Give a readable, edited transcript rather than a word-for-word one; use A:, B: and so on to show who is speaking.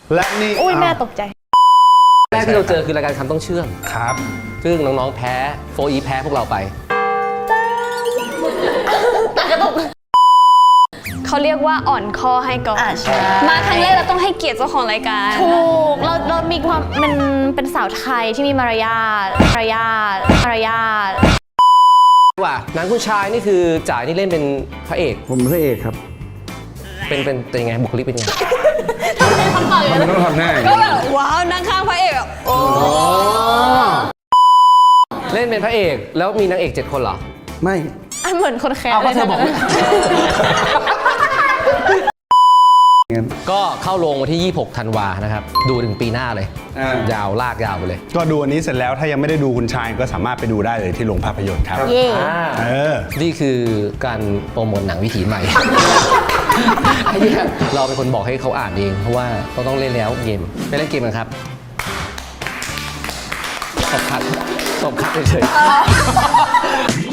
A: และนี่
B: อุ้ยแม่ตกใจ
C: แรกที่เราเจอคือรายการคำต้องเชื่อม
A: ครับ
C: ซึ่งน้องๆแพ้โฟอีแพ้พวกเราไป
D: เขาเรียกว่าอ่อนคอให้ก่อน
B: ใช่
D: มาครั้งแรกเราต้องให้เกียรติเจ้าของรายการ
B: ถูกเรามีความมันเป็นสาวไทยที่มีมารยาท
C: ว่าหนังคุณชายนี่คือจ่ายนี่เล่นเป็นพระเอก
E: ผมเป็นพระเอกครับ
C: เป็นยังไงบุคลิกเป็นยังไง
E: มันต้องทำหน้าอย่าง
D: ก็
E: นี้
D: แบบว้าวนั่งข้างพระเอกแบบโอ้
C: เล่นเป็นพระเอกแล้วมีนางเอก7 คนเหรอ
E: ไม่
B: อันเหมือนคนแคร์
C: เอา
B: เล
C: ก็
B: ย
C: เธอบอก
B: นะ
C: ก็เข้าโรงวันที่ 26 ธันวานะครับดูถึงปีหน้าเลย ยาวลากยาวไปเลย
A: ก็ดูอันนี้เสร็จแล้วถ้ายังไม่ได้ดูคุณชายก็สามารถไปดูได้เลยที่โรงภาพยนตร์ครับ
B: เย่
C: นี่คือการโปรโมทหนังวิถีใหม่ ไอ้เนี่ยเราเป็นคนบอกให้เขาอ่านเองเพราะว่าเขาต้องเล่นแล้วเกมไปเล่นเกมกันครับตบคัดเฉยๆ